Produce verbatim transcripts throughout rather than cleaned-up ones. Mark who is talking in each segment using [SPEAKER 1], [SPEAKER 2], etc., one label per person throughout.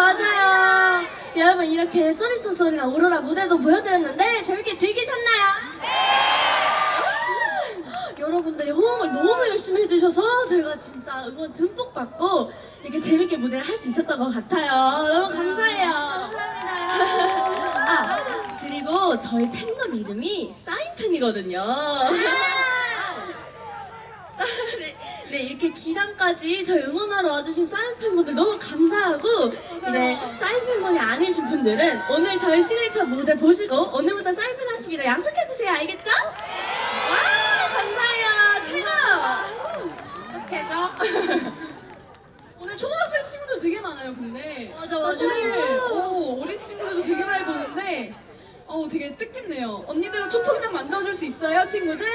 [SPEAKER 1] 맞아요. 여러분 이렇게 쏘리쏘 소리랑 오로라 무대도 보여드렸는데 재밌게 즐기셨나요? 여러분들이 호응을 너무 열심히 해주셔서 저희가 진짜 응원 듬뿍 받고 이렇게 재밌게 무대를 할 수 있었던 것 같아요. 너무 감사해요.
[SPEAKER 2] 감사합니다.
[SPEAKER 1] 아, 그리고 저희 팬덤 이름이 사인팬이거든요. 네, 네, 이렇게 기상까지 저희 응원하러 와주신 사인팬분들 너무 감사하고 이제 사인팬분이 아니신 분들은 오늘 저희 시그니처 무대 보시고 오늘부터 사인팬 하시기로 약속해주세요. 알겠죠? 와, 감사해요. 최고!
[SPEAKER 2] 어떡해죠? 오늘 초등학생 친구들 되게 많아요, 근데.
[SPEAKER 1] 맞아, 맞아.
[SPEAKER 2] 오늘 오, 어린 친구들도 되게 많이 보는데, 어, 되게 뜻깊네요. 언니들은 초통령 만들어줄 수 있어요, 친구들?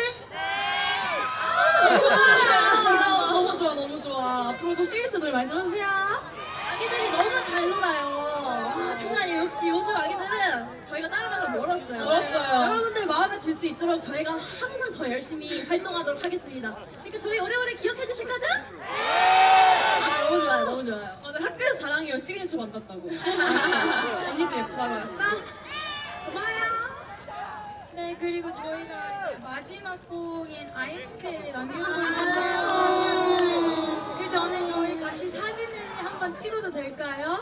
[SPEAKER 2] 너무 좋아. 너무 좋아, 너무 좋아. 앞으로도 시그니처 노래 많이 들어주세요.
[SPEAKER 1] 아기들이 너무 잘 놀아요. 와, 장난 아니에요. 역시 요즘 아기들은 저희가 따라가면 멀었어요.
[SPEAKER 2] 멀었어요.
[SPEAKER 1] 여러분들 마음에 들 수 있도록 저희가 항상 더 열심히 활동하도록 하겠습니다. 그러니까 저희 오래오래 기억해 주실 거죠? 아, 너무 좋아요. 너무 좋아요.
[SPEAKER 2] 맞아, 학교에서 자랑해요. 시그니처 만났다고. 언니들 예쁘다고 했죠? 고마워요.
[SPEAKER 3] 네, 그리고 저희가 이제 마지막 곡인 아이엠케이를 남겨두고 있는데요. 그 전에 저희 같이 사진을 한번 찍어도 될까요?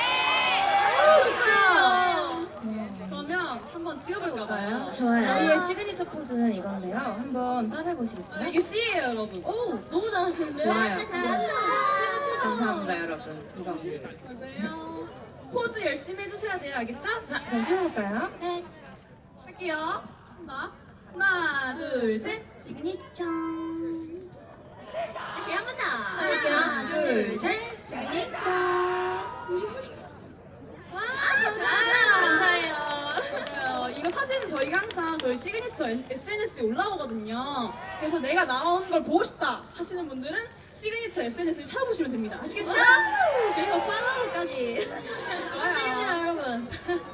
[SPEAKER 1] 좋죠.
[SPEAKER 2] 그러면 한번 찍어볼까요?
[SPEAKER 1] 좋아요.
[SPEAKER 3] 저희의 시그니처 포즈는 이건데요. 한번 따라해보시겠어요?
[SPEAKER 2] 이게 C예요, 여러분.
[SPEAKER 1] 오, 너무 잘하시는데?
[SPEAKER 3] 좋아요.
[SPEAKER 1] 네.
[SPEAKER 3] 감사합니다, 여러분. 이겁니다.
[SPEAKER 2] 맞아요. 포즈 열심히 해주셔야 돼요, 알겠죠?
[SPEAKER 3] 자, 그럼 찍어볼까요?
[SPEAKER 1] 네.
[SPEAKER 2] 할게요. 하나, 하나, 둘, 셋.
[SPEAKER 1] 시그니처. 다시 한 번 더.
[SPEAKER 2] 하나, 둘, 셋.
[SPEAKER 1] 시그니처. 와, 좋아요. 감사해요.
[SPEAKER 2] 맞아요. 이거 사진은 저희가 항상 저희 시그니처 에스엔에스에 올라오거든요. 그래서 내가 나온 걸 보고 싶다 하시는 분들은 시그니처 에스엔에스를 찾아보시면 됩니다. 아시겠죠?
[SPEAKER 1] 그리고 팔로우까지.
[SPEAKER 2] 좋아요.
[SPEAKER 1] 감사합니다, 여러분.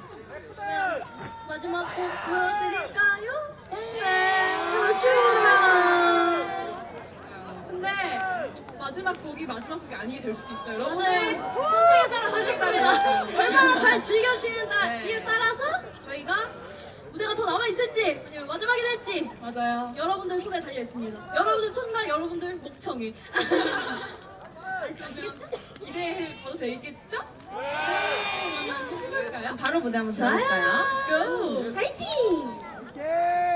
[SPEAKER 1] 마지막 곡 보여드릴까요? 네. 아쉬워라.
[SPEAKER 2] 근데 마지막 곡이 마지막 곡이 아니게 될 수 있어요. 여러분들
[SPEAKER 1] 맞아요. 선택에 따라 달렸습니다. 얼마나 잘 즐겨주시는지에
[SPEAKER 2] 네.
[SPEAKER 1] 따라서 저희가 무대가 더 남아있을지 아니면 마지막이 될지
[SPEAKER 2] 맞아요.
[SPEAKER 1] 여러분들 손에 달려있습니다. 여러분들 손과 여러분들 목청이.
[SPEAKER 2] 아시겠죠? 기대해봐도 되겠죠? 그러면 해볼까요?
[SPEAKER 3] 바로 무대 한번 들어볼까요?
[SPEAKER 2] 고!
[SPEAKER 1] 파이팅!